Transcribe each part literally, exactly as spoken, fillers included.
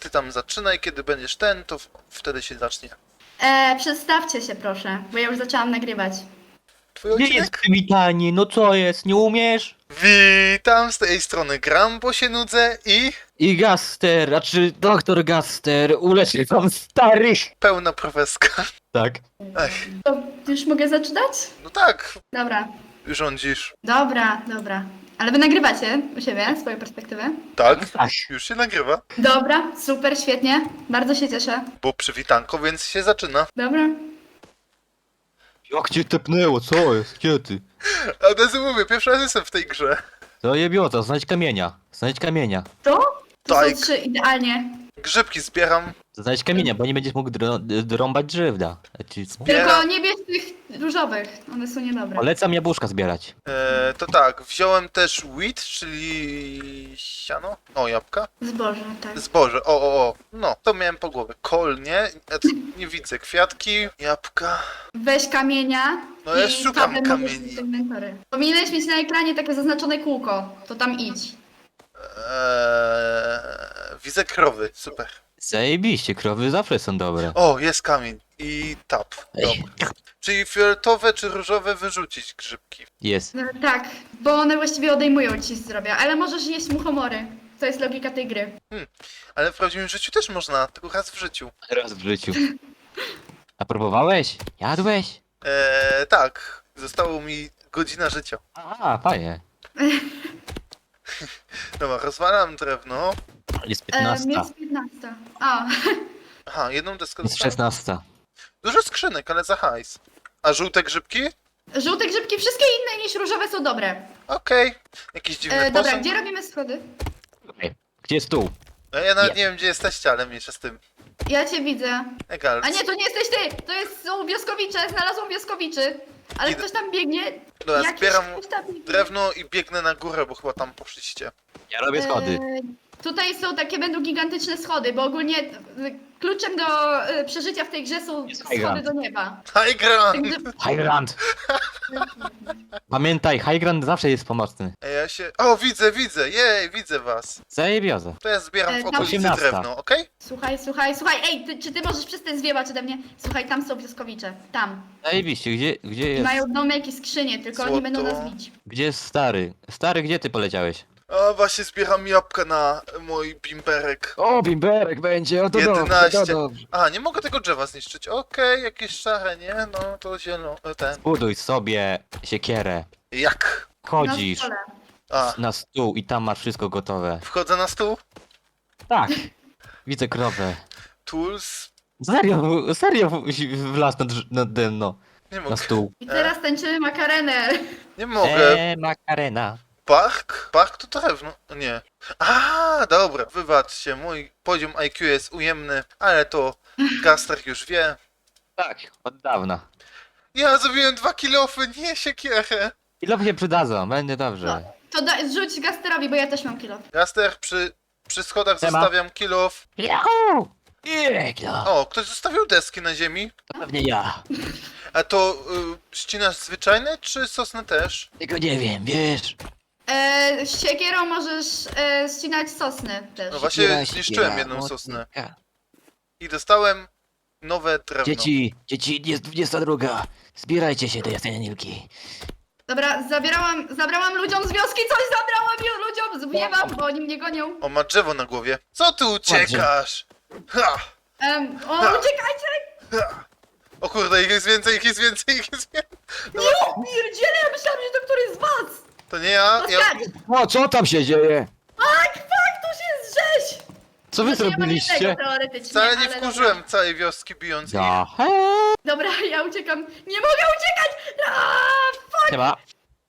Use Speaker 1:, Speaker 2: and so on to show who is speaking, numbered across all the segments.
Speaker 1: ty tam zaczynaj, kiedy będziesz ten, to w- wtedy się zacznie.
Speaker 2: E, przedstawcie się proszę, bo ja już zaczęłam nagrywać.
Speaker 1: Twój
Speaker 3: Nie jest
Speaker 1: odcinek?
Speaker 3: przywitanie, no co jest, nie umiesz?
Speaker 1: Witam z tej strony, gram, bo się nudzę i
Speaker 3: I Gaster, a czy doktor Gaster uleczy wam starych?
Speaker 1: pełna profeska.
Speaker 3: Tak.
Speaker 1: Ech,
Speaker 2: To już mogę zaczynać?
Speaker 1: no tak,
Speaker 2: Dobra,
Speaker 1: rządzisz.
Speaker 2: dobra, dobra. Ale wy nagrywacie u siebie swoją perspektywę?
Speaker 1: Tak,
Speaker 3: Ach,
Speaker 1: już się nagrywa,
Speaker 2: Dobra, super, świetnie. Bardzo się cieszę.
Speaker 1: bo przywitanko, więc się zaczyna.
Speaker 2: Dobra.
Speaker 3: jak cię tepnęło, co jest, gdzie ty?
Speaker 1: A od razu mówię, pierwszy raz jestem w tej grze.
Speaker 3: To jebiota, znajdź kamienia, znajdź kamienia.
Speaker 2: To? To
Speaker 1: Tak.
Speaker 2: są trzy idealnie.
Speaker 1: Grzybki zbieram.
Speaker 3: Znajdź kamienia, bo nie będziesz mógł dro drąbać drzewda. A ci co?
Speaker 1: Zbieram.
Speaker 2: Tylko nie bierz tych różowych, one są niedobre.
Speaker 3: Polecam jabłuszka zbierać.
Speaker 1: E, to tak, wziąłem też wheat, czyli siano. O, jabłka.
Speaker 2: Zboże, tak.
Speaker 1: Zboże, o, o, o. No, to miałem po głowie. Kol, nie? Ja tu nie widzę. Kwiatki, jabłka.
Speaker 2: Weź kamienia.
Speaker 1: No ja
Speaker 2: i
Speaker 1: szukam
Speaker 2: tabem możesz
Speaker 1: kamieni.
Speaker 2: mieć inwentory. Powinieneś mieć na ekranie takie zaznaczone kółko, to tam idź.
Speaker 1: Eee, widzę krowy, super.
Speaker 3: Zajebiście, krowy zawsze są dobre.
Speaker 1: O, jest kamień. I tap. Dobra. Czyli fioletowe czy różowe wyrzucić grzybki.
Speaker 3: Jest.
Speaker 2: No, tak, bo one właściwie odejmują ci zdrowia, ale możesz jeść muchomory. To jest logika tej gry.
Speaker 1: Ale w prawdziwym życiu też można, tylko raz w życiu.
Speaker 3: Raz w życiu. A próbowałeś? Jadłeś?
Speaker 1: Eee, tak. Zostało mi godzina życia.
Speaker 3: Aha, fajnie.
Speaker 1: Dobra, rozwalam drewno.
Speaker 3: Jest
Speaker 2: E,
Speaker 3: piętnasta.
Speaker 2: jest piętnasta. A,
Speaker 1: Aha, jedną deskę
Speaker 3: Jest
Speaker 1: dostałem.
Speaker 3: szesnasta.
Speaker 1: Dużo skrzynek, ale za hajs. A żółte grzybki?
Speaker 2: żółte grzybki, wszystkie inne niż różowe są dobre.
Speaker 1: Okej. Jakiś dziwny
Speaker 2: E, dobra,
Speaker 1: posąg.
Speaker 2: gdzie robimy schody?
Speaker 3: Okej. Gdzie jest stół?
Speaker 1: No, ja nawet
Speaker 3: Nie.
Speaker 1: nie wiem, gdzie jesteście, ale mniejsza z tym.
Speaker 2: Ja cię widzę.
Speaker 1: Egal.
Speaker 2: A nie, to nie jesteś ty! To jest, są wioskowicze, znalazłam wioskowiczy. Ale
Speaker 1: Idę.
Speaker 2: ktoś tam biegnie.
Speaker 1: Dobra,
Speaker 2: Jakiś
Speaker 1: zbieram
Speaker 2: ktoś tam biegnie.
Speaker 1: drewno i biegnę na górę, bo chyba tam poszliście.
Speaker 3: Ja robię schody.
Speaker 2: E, tutaj są takie, będą gigantyczne schody, bo ogólnie e, kluczem do e, przeżycia w tej grze są
Speaker 3: Jest
Speaker 2: schody
Speaker 3: hydrant.
Speaker 2: do nieba.
Speaker 1: High ground!
Speaker 2: Także,
Speaker 3: High ground! Pamiętaj, high ground zawsze jest pomocny.
Speaker 1: Ej, ja się... O, widzę, widzę! Jej, widzę was!
Speaker 3: Zajebioza.
Speaker 1: To ja zbieram
Speaker 2: E,
Speaker 1: w
Speaker 2: tam-
Speaker 1: okolicy
Speaker 3: osiemnasta.
Speaker 1: drewno, okej?
Speaker 2: słuchaj, słuchaj, słuchaj, ej, ty, czy ty możesz przestać zwiewać ode mnie? Słuchaj, tam są wioskowicze, tam.
Speaker 3: Zajebiście, gdzie, gdzie
Speaker 2: I
Speaker 3: jest?
Speaker 2: mają domek i skrzynie, tylko oni
Speaker 1: Złoto.
Speaker 2: będą nas bić.
Speaker 3: Gdzie jest stary? Stary, gdzie ty poleciałeś?
Speaker 1: A właśnie zbieram jabłka na mój bimberek.
Speaker 3: O, bimberek będzie, o to
Speaker 1: jedenaście.
Speaker 3: dobrze, to dobrze.
Speaker 1: A, nie mogę tego drzewa zniszczyć. Okej, jakieś szare, nie? No, to zielone, ten.
Speaker 3: Buduj sobie siekierę.
Speaker 1: Jak?
Speaker 3: Chodzisz
Speaker 2: Na stole.
Speaker 1: A,
Speaker 3: na stół i tam masz wszystko gotowe.
Speaker 1: wchodzę na stół.
Speaker 3: Tak. Widzę krowę.
Speaker 1: Tools.
Speaker 3: Serio, serio w- wlazł na, drz- na dno,
Speaker 1: Nie
Speaker 3: na
Speaker 1: mogę.
Speaker 3: stół.
Speaker 2: I teraz tańczymy makarenę.
Speaker 1: Nie mogę.
Speaker 3: Eee, makarena.
Speaker 1: Park? Park to drewno. Nie. A, dobra. Wybaczcie, mój poziom I Q jest ujemny, ale to Gaster już wie.
Speaker 3: Tak, od dawna.
Speaker 1: Ja zrobiłem dwa kilofy, nie siekierę.
Speaker 3: Ile się przydadzą, będzie dobrze.
Speaker 2: To da, rzuć Gasterowi, bo ja też mam kilo.
Speaker 1: Gaster, przy, przy schodach
Speaker 3: Siema.
Speaker 1: zostawiam kilof.
Speaker 3: Yahoo! Jekla!
Speaker 1: O, ktoś zostawił deski na ziemi.
Speaker 3: To pewnie ja.
Speaker 1: A to y, ścinasz zwyczajne, czy sosny też?
Speaker 3: Tego nie wiem, wiesz?
Speaker 2: E, siekierą możesz e, ścinać sosny też.
Speaker 1: No właśnie
Speaker 3: Siekiera,
Speaker 1: zniszczyłem
Speaker 3: siekiera,
Speaker 1: jedną
Speaker 3: mocno.
Speaker 1: sosnę. I dostałem nowe drewno.
Speaker 3: Dzieci, dzieci, jest dwudziesta druga. Zbierajcie się do jasenianilki.
Speaker 2: Dobra, zabierałam, zabrałam ludziom z wioski, coś zabrałam ju- ludziom, zwiewam, bo oni mnie gonią.
Speaker 1: O, ma drzewo na głowie. Co ty uciekasz? Ha,
Speaker 2: Um, o,
Speaker 1: Ha.
Speaker 2: uciekajcie!
Speaker 1: ha. O kurde, ich jest więcej, ich jest więcej, ich jest więcej. No,
Speaker 2: Jo, pierdziele, ja myślałam, że to któryś z was!
Speaker 1: to nie ja. ja...
Speaker 2: Oskar!
Speaker 3: O, co tam się dzieje?
Speaker 2: Tak, tak, to się jest rzeź!
Speaker 3: Co wy
Speaker 2: Znaczy, ja mam jednego
Speaker 3: zrobiliście?
Speaker 2: teoretycznie,
Speaker 1: Wcale nie
Speaker 2: ale
Speaker 1: wkurzyłem całej wioski bijąc ich.
Speaker 3: Ja.
Speaker 2: Dobra. Dobra, ja uciekam. Nie mogę uciekać! Aaaa, fuck!
Speaker 3: Chyba.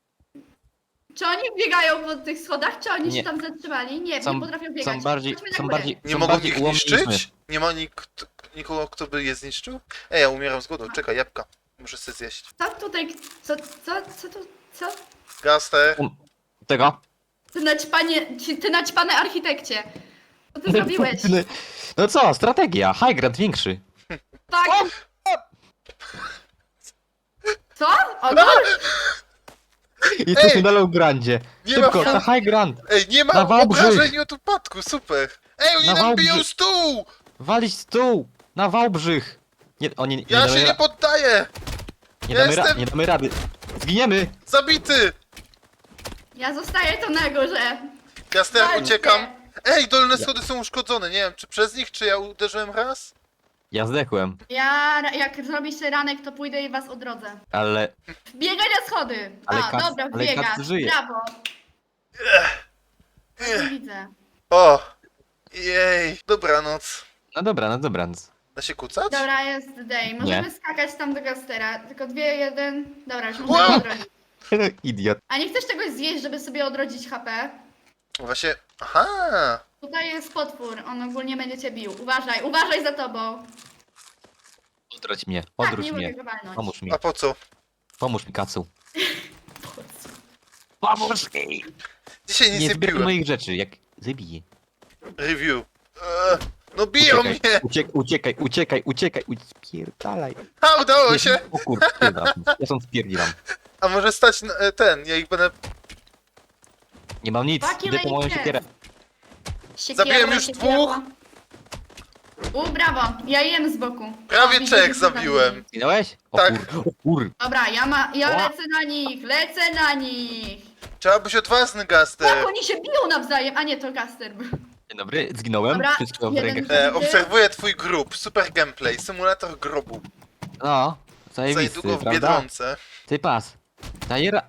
Speaker 2: Czy oni biegają po tych schodach, czy oni
Speaker 3: Nie.
Speaker 2: się tam zatrzymali? Nie,
Speaker 3: Są,
Speaker 2: nie potrafią biegać.
Speaker 3: są bardziej,
Speaker 2: Chodźmy na
Speaker 3: są
Speaker 2: górę.
Speaker 3: bardziej,
Speaker 1: Nie
Speaker 3: są
Speaker 1: mogą
Speaker 3: bardziej
Speaker 1: ich
Speaker 3: ułomni niż my.
Speaker 1: niszczyć? Nie ma nikt, nikogo, kto by je zniszczył? Ej, ja umieram z głodu. Czekaj, jabłka. Muszę sobie zjeść.
Speaker 2: Co tutaj, co, co, co tu, co?
Speaker 1: Gaster.
Speaker 3: Tego?
Speaker 2: Ty naćpanie, ci- ty naćpane architekcie. Co ty zrobiłeś?
Speaker 3: No co, strategia. High ground większy.
Speaker 2: Tak. Co? O, no,
Speaker 3: Jesteśmy
Speaker 1: Ej!
Speaker 3: na low grandzie.
Speaker 1: Nie
Speaker 3: Szybko,
Speaker 1: ma...
Speaker 3: na high ground.
Speaker 1: Ej, nie ma
Speaker 3: Na Wałbrzych.
Speaker 1: obrażeń od upadku, super. Ej, oni
Speaker 3: Na
Speaker 1: nam
Speaker 3: Wałbrzy-
Speaker 1: biją stół!
Speaker 3: Walić stół! Na Wałbrzych! Nie, o, nie, nie,
Speaker 1: Ja
Speaker 3: damy
Speaker 1: się nie
Speaker 3: ra-
Speaker 1: poddaję!
Speaker 3: nie, damy ra-
Speaker 1: jestem-
Speaker 3: nie damy rady. Zginiemy!
Speaker 1: Zabity!
Speaker 2: Ja zostaję tu na górze.
Speaker 1: Gaster,
Speaker 2: Walczcie.
Speaker 1: uciekam. Ej, dolne schody są uszkodzone. Nie wiem, czy przez nich, czy ja uderzyłem raz?
Speaker 3: Ja zdechłem,
Speaker 2: Ja, jak zrobicie ranek, to pójdę i was odrodzę.
Speaker 3: ale...
Speaker 2: Wbiegaj na schody!
Speaker 3: Ale
Speaker 2: A,
Speaker 3: Kac-
Speaker 2: dobra,
Speaker 3: ale
Speaker 2: wbiegasz.
Speaker 3: Kac żyje.
Speaker 2: Brawo. Nie widzę.
Speaker 1: O! Jej, dobranoc.
Speaker 3: No dobra, no dobranoc.
Speaker 1: Da się kucać?
Speaker 2: Dobra, jest day. Możemy skakać tam do Gastera. Tylko dwie, jeden. Dobra, już
Speaker 1: Wow.
Speaker 2: możemy odrodzić.
Speaker 3: Idiot.
Speaker 2: A nie chcesz czegoś zjeść, żeby sobie odrodzić H P?
Speaker 1: Właśnie, aha!
Speaker 2: Tutaj jest potwór, on ogólnie będzie cię bił. Uważaj, uważaj za tobą.
Speaker 3: Odrodź mnie,
Speaker 2: Tak,
Speaker 3: odwróć
Speaker 2: nie
Speaker 3: mnie.
Speaker 2: mogę go walnąć.
Speaker 3: Pomóż mi,
Speaker 1: A po co?
Speaker 3: pomóż mi, Kacu. Pomóż mi!
Speaker 1: Dzisiaj nic
Speaker 3: Nie
Speaker 1: nie,
Speaker 3: zbieraj
Speaker 1: piłem.
Speaker 3: moich rzeczy, jak zabiję.
Speaker 1: Review. Eee, no biją
Speaker 3: Uciekaj,
Speaker 1: mnie!
Speaker 3: uciek, uciekaj, uciekaj, uciekaj, spierdalaj.
Speaker 1: A, udało się!
Speaker 3: O kur... spierdzielam. Ja stąd spierdzielam.
Speaker 1: A może stać na, e, ten, ja ich będę...
Speaker 3: Nie mam nic,
Speaker 2: Fucking
Speaker 3: idę po moją
Speaker 2: lejcie.
Speaker 3: siekierę.
Speaker 2: Siekiera,
Speaker 1: Zabiłem już
Speaker 2: siekiera.
Speaker 1: dwóch.
Speaker 2: U, brawo, ja jem z boku.
Speaker 1: Prawie
Speaker 2: O, widzę,
Speaker 1: trzech
Speaker 2: że
Speaker 1: zabiłem.
Speaker 3: Zginąłeś? O
Speaker 1: Tak.
Speaker 3: kur... O kur...
Speaker 2: Dobra, ja ma, ja
Speaker 3: Ła.
Speaker 2: lecę na nich, lecę na nich.
Speaker 1: Trzeba być odważny,
Speaker 2: Tak,
Speaker 1: Gaster.
Speaker 2: oni się biją nawzajem, a nie, to Gaster był.
Speaker 3: Dzień dobry, zginąłem.
Speaker 2: Dobra,
Speaker 3: Wszystko w
Speaker 2: jeden-
Speaker 3: rękach.
Speaker 1: E, obserwuję twój grup. Super gameplay. Symulator grobu.
Speaker 3: No,
Speaker 1: Za
Speaker 3: zajebisty,
Speaker 1: niedługo w
Speaker 3: prawda?
Speaker 1: Biedronce.
Speaker 3: Ty pas. Dajera...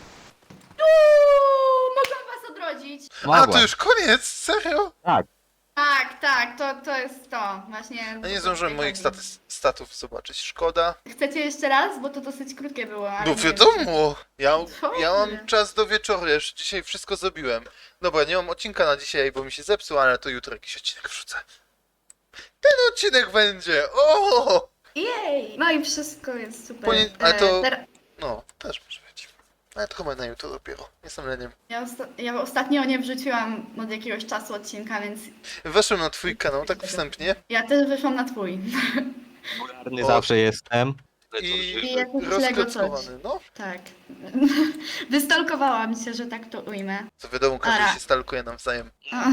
Speaker 2: Uuu, mogłam was odrodzić.
Speaker 1: A,
Speaker 3: Mogła.
Speaker 1: to już koniec? Serio?
Speaker 3: Tak.
Speaker 2: Tak, tak, to, to jest to, właśnie.
Speaker 1: Ja nie zdążyłem moich status, statów zobaczyć. Szkoda.
Speaker 2: Chcecie jeszcze raz? Bo to dosyć krótkie było. ale
Speaker 1: No
Speaker 2: nie
Speaker 1: wiadomo. Ja,
Speaker 2: Co
Speaker 1: ja
Speaker 2: ty?
Speaker 1: mam czas do wieczoru. Ja już dzisiaj wszystko zrobiłem. Dobra, nie mam odcinka na dzisiaj, bo mi się zepsuł, ale to jutro jakiś odcinek wrzucę. Ten odcinek będzie. O!
Speaker 2: Jej! No i wszystko jest super.
Speaker 1: Ponie- ale to-
Speaker 2: E, ter-
Speaker 1: No, też może być. Ale to chyba na jutro dopiero. Jestem leniem.
Speaker 2: ja, osta- ja ostatnio nie wrzuciłam od jakiegoś czasu odcinka, więc
Speaker 1: Weszłem na twój kanał tak wstępnie
Speaker 2: ja też wyszłam na twój.
Speaker 3: Popularny
Speaker 1: O.
Speaker 3: zawsze jestem.
Speaker 2: I
Speaker 1: i
Speaker 2: jakieś Lego
Speaker 1: rozkroczkowany. No,
Speaker 2: Tak. Wystalkowałam się, że tak to ujmę.
Speaker 1: to wiadomo, każdy
Speaker 2: Ara.
Speaker 1: się stalkuje nawzajem.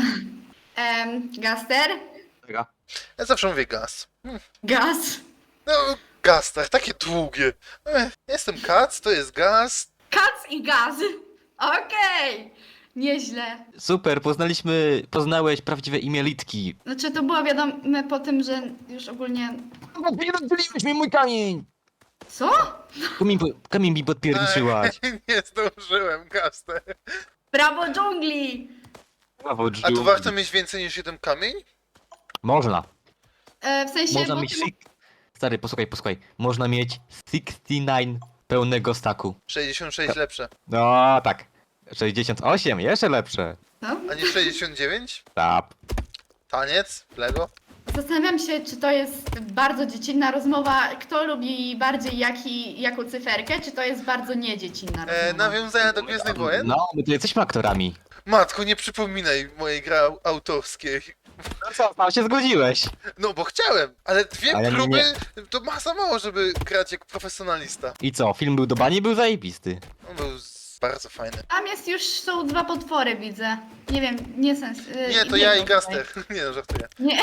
Speaker 2: Em, Gaster?
Speaker 3: Czeka.
Speaker 1: Ja zawsze mówię gaz. Hmm.
Speaker 2: Gaz?
Speaker 1: No, gaz, tak, takie długie. Ech, jestem kac, to jest gaz.
Speaker 2: Kac i gaz. Okej. Nieźle.
Speaker 3: Super, poznaliśmy, poznałeś prawdziwe imię Litki.
Speaker 2: Znaczy to było wiadome po tym, że już ogólnie...
Speaker 3: Podpierdziłeś mi mój kamień!
Speaker 2: Co?
Speaker 3: Kamień, po- kamień mi podpierdziczyłaś.
Speaker 1: Ech, nie zdążyłem, gaster.
Speaker 2: Brawo dżungli!
Speaker 3: Brawo,
Speaker 1: A tu
Speaker 3: dżungli.
Speaker 1: warto mieć więcej niż jeden kamień?
Speaker 3: Można.
Speaker 2: E, w sensie...
Speaker 3: Można
Speaker 2: bo
Speaker 3: mieć...
Speaker 2: ty mo-
Speaker 3: sik- Stary, posłuchaj, posłuchaj. Można mieć sześćdziesiąt dziewięć pełnego staku.
Speaker 1: sześćdziesiąt sześć lepsze.
Speaker 3: No tak. sześćdziesiąt osiem, jeszcze lepsze.
Speaker 2: Co?
Speaker 1: A nie sześćdziesiąt dziewięć?
Speaker 3: Tap.
Speaker 1: Taniec? Lego?
Speaker 2: Zastanawiam się, czy to jest bardzo dziecinna rozmowa, kto lubi bardziej jaki, jaką cyferkę, czy to jest bardzo niedziecinna rozmowa.
Speaker 1: E, nawiązania do Gwiezdnych Wojen?
Speaker 3: No, my tu jesteśmy aktorami.
Speaker 1: Matko, nie przypominaj mojej gry au- autorskiej.
Speaker 3: No co, tam się zgodziłeś.
Speaker 1: No bo chciałem, ale dwie
Speaker 3: Ale nie,
Speaker 1: próby to ma za mało, żeby grać jak profesjonalista.
Speaker 3: I co, film był do bani, był zajebisty.
Speaker 1: On był z... bardzo fajny.
Speaker 2: Tam jest już, są dwa potwory, widzę. Nie wiem, nie sens. y,
Speaker 1: Nie, to ja i
Speaker 2: jedno
Speaker 1: Gaster. Nie no, żartuję.
Speaker 2: tutaj. Nie,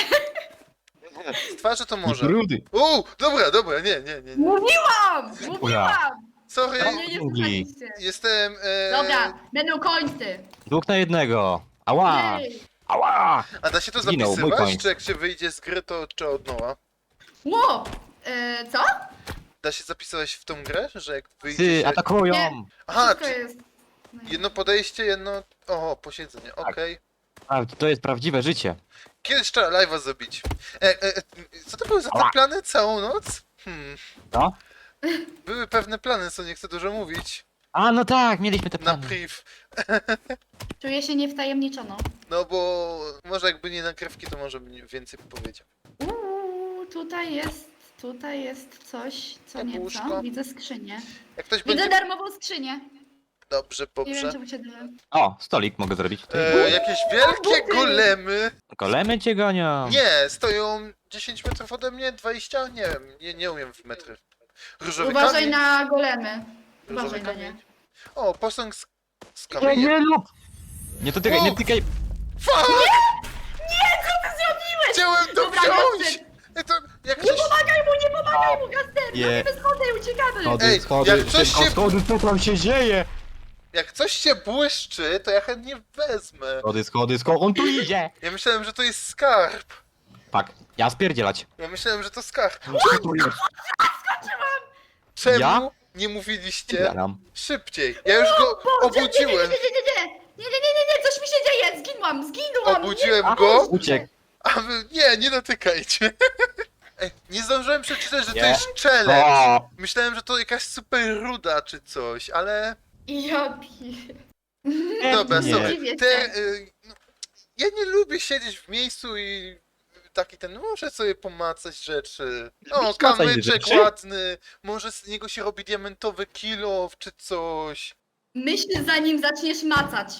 Speaker 1: Z twarzy to może.
Speaker 3: Rudy.
Speaker 1: Uuu, dobra, dobra, nie, nie, nie. nie.
Speaker 2: mówiłam! Mówiłam!
Speaker 1: Sorry,
Speaker 2: Nie, nie
Speaker 3: Dżungli.
Speaker 2: słuchaliście.
Speaker 1: jestem... E...
Speaker 2: Dobra, będą końcy.
Speaker 3: Dwóch na jednego. Ała!
Speaker 2: Jej.
Speaker 3: Ała!
Speaker 1: A da się to
Speaker 3: Zginął, mój
Speaker 1: zapisywać?
Speaker 3: koń.
Speaker 1: Czy jak się wyjdzie z gry, to czy od nowa?
Speaker 2: Ło! E, co?
Speaker 1: Da się zapisywać w tą grę, że jak wyjdzie
Speaker 3: Ty,
Speaker 1: się...
Speaker 3: atakują!
Speaker 2: Nie.
Speaker 1: Aha,
Speaker 2: Wszystko
Speaker 1: czy
Speaker 2: jest...
Speaker 1: jedno podejście, jedno... Oho, posiedzenie,
Speaker 3: Tak.
Speaker 1: okej.
Speaker 3: A, to jest prawdziwe życie.
Speaker 1: Kiedyś trzeba live'a zrobić. E, e, e, co to były za te
Speaker 3: Ała.
Speaker 1: plany całą noc? Hmm,
Speaker 3: No?
Speaker 1: były pewne plany, co nie chcę dużo mówić.
Speaker 3: A, no tak, mieliśmy te
Speaker 1: Na
Speaker 3: plany.
Speaker 1: priv.
Speaker 2: Czuję się niewtajemniczoną.
Speaker 1: No bo może jakby nie nagrywki, to może bym więcej powiedział.
Speaker 2: Uuu, tutaj jest, tutaj jest coś, co nieco.
Speaker 1: Jabłuszko.
Speaker 2: Widzę skrzynię.
Speaker 1: Jak ktoś
Speaker 2: Widzę
Speaker 1: będzie...
Speaker 2: darmową skrzynię.
Speaker 1: Dobrze,
Speaker 2: Nie wiem,
Speaker 1: dobrze.
Speaker 2: czemu się dzieje.
Speaker 3: O, stolik mogę zrobić. Ty.
Speaker 1: E, jakieś wielkie
Speaker 2: buty.
Speaker 1: golemy.
Speaker 3: Golemy cię gonią.
Speaker 1: Nie, stoją dziesięć metrów ode mnie, dwadzieścia? Nie wiem, nie, nie umiem w metry. Różowy
Speaker 2: Uważaj
Speaker 1: kamień.
Speaker 2: na golemy.
Speaker 1: Różowy
Speaker 2: Uważaj na nie.
Speaker 1: kamień. O, posąg z, z
Speaker 3: Nie,
Speaker 1: kamieniem.
Speaker 3: nie lub! Nie dotykaj, nie
Speaker 1: O!
Speaker 3: dotykaj!
Speaker 1: Fuck!
Speaker 2: Nie,
Speaker 1: Miałem to
Speaker 2: Dobra,
Speaker 1: wziąć!
Speaker 2: Gaster,
Speaker 1: Ej, to jak
Speaker 2: nie
Speaker 1: coś...
Speaker 2: pomagaj mu, nie pomagaj mu, Gaster!
Speaker 3: Nie.
Speaker 2: Robimy schody, uciekamy!
Speaker 3: Schody,
Speaker 1: Ej,
Speaker 3: schody,
Speaker 1: jak coś
Speaker 3: szybko,
Speaker 1: się-
Speaker 3: schody, co tam się dzieje?
Speaker 1: Jak coś się błyszczy, to ja chętnie wezmę.
Speaker 3: Schody, schody, schody, on tu idzie!
Speaker 1: Ja myślałem, że to jest skarb.
Speaker 3: Tak, ja spierdzielać.
Speaker 1: Ja myślałem, że to skarb.
Speaker 3: Co tu jest?
Speaker 1: Czemu
Speaker 3: Ja?
Speaker 1: nie mówiliście
Speaker 3: Spierdalam.
Speaker 1: szybciej? Ja już go
Speaker 2: Boże, nie,
Speaker 1: obudziłem.
Speaker 2: Nie, nie, nie, nie, nie, nie, nie, nie, nie, nie, coś mi się dzieje, zginłam, zginłam!
Speaker 1: Obudziłem
Speaker 3: A,
Speaker 1: go,
Speaker 3: uciekł.
Speaker 1: a wy... Nie, nie dotykajcie. Ej, nie zdążyłem przeczytać, że to
Speaker 3: Nie.
Speaker 1: jest challenge.
Speaker 3: O,
Speaker 1: Myślałem, że to jakaś super ruda czy coś, ale...
Speaker 2: Nie. Ja pier...
Speaker 1: Dobra,
Speaker 3: nie.
Speaker 1: sorry.
Speaker 2: Dziwię
Speaker 1: Te,
Speaker 2: się.
Speaker 1: y, no, ja nie lubię siedzieć w miejscu i taki ten, muszę sobie pomacać rzeczy. O,
Speaker 3: Macaj
Speaker 1: kamyczek
Speaker 3: rzeczy.
Speaker 1: ładny, może z niego się robi diamentowy kilow czy coś.
Speaker 2: Myśl zanim zaczniesz macać.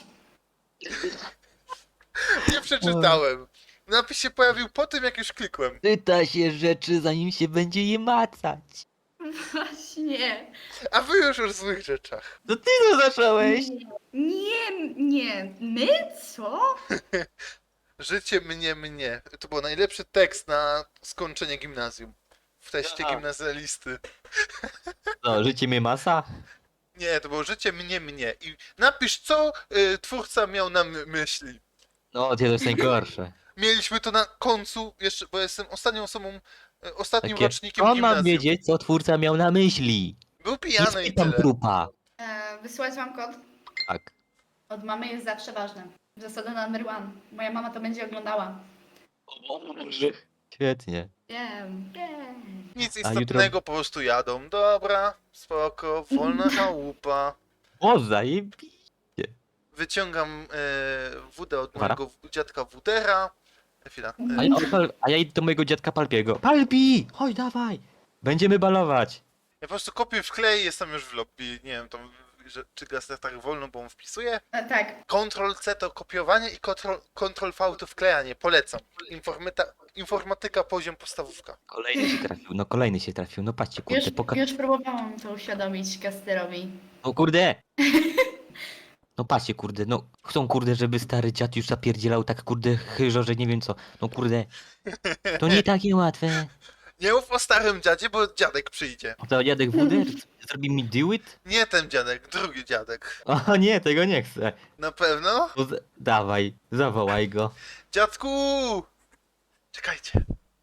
Speaker 1: Nie przeczytałem. Napis się pojawił po tym, jak już klikłem.
Speaker 3: czyta się rzeczy, zanim się będzie je macać.
Speaker 2: Właśnie.
Speaker 1: A wy już o złych rzeczach.
Speaker 3: To ty to zacząłeś.
Speaker 2: Nie, nie, my? Co?
Speaker 1: Życie mnie, mnie. To był najlepszy tekst na skończenie gimnazjum. W teście
Speaker 3: Aha.
Speaker 1: gimnazjalisty.
Speaker 3: No, życie mnie masa?
Speaker 1: Nie, to było życie mnie, mnie. I napisz, co y, twórca miał na my myśli.
Speaker 3: No, to jest najgorsze.
Speaker 1: Mieliśmy to na końcu, jeszcze, bo jestem ostatnią osobą, y, ostatnim
Speaker 3: Takie,
Speaker 1: rocznikiem
Speaker 3: on
Speaker 1: gimnazjum.
Speaker 3: ma wiedzieć, co twórca miał na myśli.
Speaker 1: Był
Speaker 3: Nie
Speaker 1: pijany i
Speaker 3: spytam
Speaker 1: tyle.
Speaker 3: trupa.
Speaker 2: E, wysłać wam kod?
Speaker 3: Tak.
Speaker 2: Od mamy jest zawsze ważne. Zasada number one. Moja mama to będzie oglądała.
Speaker 3: Świetnie.
Speaker 2: Wiem, wiem.
Speaker 1: Nic
Speaker 3: A
Speaker 1: istotnego,
Speaker 3: jutro-
Speaker 1: po prostu jadą. Dobra, spoko, wolna chałupa.
Speaker 3: O, zajebi.
Speaker 1: Wyciągam e, wódę od
Speaker 3: Wara?
Speaker 1: mojego w- dziadka Wudera. Chwila.
Speaker 3: A
Speaker 1: E,
Speaker 3: ja, odpal- a ja idę do mojego dziadka Palpiego. Palpi! Chodź, dawaj! Będziemy balować.
Speaker 1: ja po prostu kopię w klej i jestem już w lobby. Nie wiem, tam, że, czy Gaster tak wolno, bo on wpisuje.
Speaker 2: E, tak.
Speaker 1: Ctrl C to kopiowanie i Ctrl, Ctrl V to wklejanie. Polecam. Informata, informatyka poziom podstawówka.
Speaker 3: Kolejny się trafił, no kolejny się trafił. No patrzcie,
Speaker 2: Już,
Speaker 3: kurde, poka...
Speaker 2: już próbowałam to uświadomić Gasterowi.
Speaker 3: O kurde! No patrzcie, kurde, no chcą, kurde, żeby stary dziad już zapierdzielał tak, kurde, chyżo, że nie wiem co. No kurde, to nie takie łatwe.
Speaker 1: Nie mów o starym dziadzie, bo dziadek przyjdzie.
Speaker 3: O to dziadek Wuder zrobi mi do it?
Speaker 1: Nie ten dziadek, drugi dziadek.
Speaker 3: O nie, tego nie chcę.
Speaker 1: Na pewno?
Speaker 3: No, z- dawaj, zawołaj go.
Speaker 1: Dziadku! Czekajcie.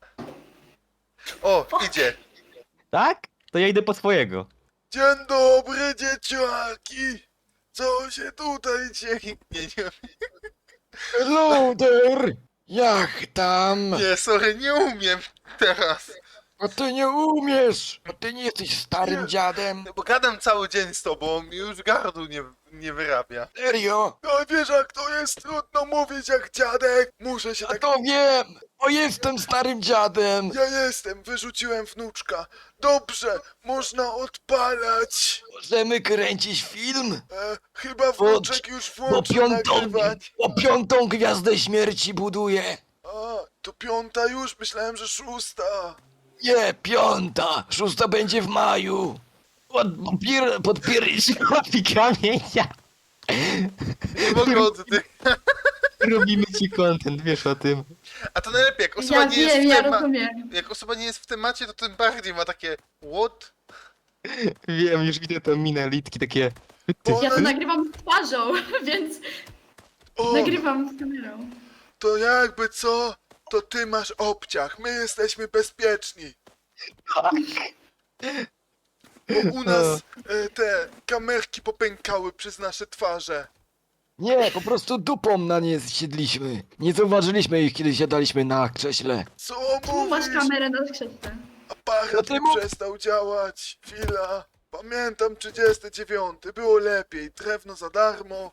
Speaker 1: O, idzie.
Speaker 3: Tak? To ja idę po swojego.
Speaker 1: Dzień dobry, dzieciaki! Co się tutaj dzieje? Nie, nie,
Speaker 4: Hello there! Jak tam?
Speaker 1: nie, sorry, nie umiem teraz.
Speaker 4: A ty nie umiesz! A ty nie jesteś starym
Speaker 1: Nie.
Speaker 4: dziadem!
Speaker 1: No bo gadam cały dzień z tobą i już gardło nie, nie wyrabia.
Speaker 4: Serio?
Speaker 1: No wiesz jak to jest trudno mówić jak dziadek. Muszę się
Speaker 4: A to wiem! Bo jestem starym dziadem!
Speaker 1: Ja jestem, wyrzuciłem wnuczka. Dobrze, można odpalać.
Speaker 4: Możemy kręcić film?
Speaker 1: E, chyba
Speaker 4: wnuczek
Speaker 1: już
Speaker 4: Bo piątą, bo piątą gwiazdę śmierci buduję!
Speaker 1: A, to piąta już, myślałem, że szósta.
Speaker 4: Nie, piąta! Szósta będzie w maju! Podpier... podpier...
Speaker 3: Chłopi kamienia.
Speaker 1: Nie mogę oddych.
Speaker 3: Robimy ci content, wiesz o tym.
Speaker 1: A to najlepiej, jak osoba
Speaker 2: Ja
Speaker 1: nie jest
Speaker 2: wiem,
Speaker 1: w
Speaker 2: ja
Speaker 1: tema...
Speaker 2: rozumiem.
Speaker 1: Jak osoba nie jest w temacie, to tym bardziej ma takie what?
Speaker 3: Wiem, już widzę te minę litki takie...
Speaker 1: O,
Speaker 2: Ja to nagrywam z twarzą, więc
Speaker 1: o,
Speaker 2: nagrywam z kamerą.
Speaker 1: to jakby co, to ty masz obciach, my jesteśmy bezpieczni. Bo u nas e, te kamerki popękały przez nasze twarze.
Speaker 4: Nie, po prostu dupą na nie zsiedliśmy. Nie zauważyliśmy ich, kiedy siadaliśmy na krześle.
Speaker 1: Co
Speaker 2: Tu masz
Speaker 1: mówisz?
Speaker 2: kamerę na skrzydle.
Speaker 1: Aparat
Speaker 4: No ty
Speaker 1: mi
Speaker 4: mów-
Speaker 1: przestał działać. Chwila. Pamiętam trzydziesty dziewiąty. Było lepiej. Drewno za darmo.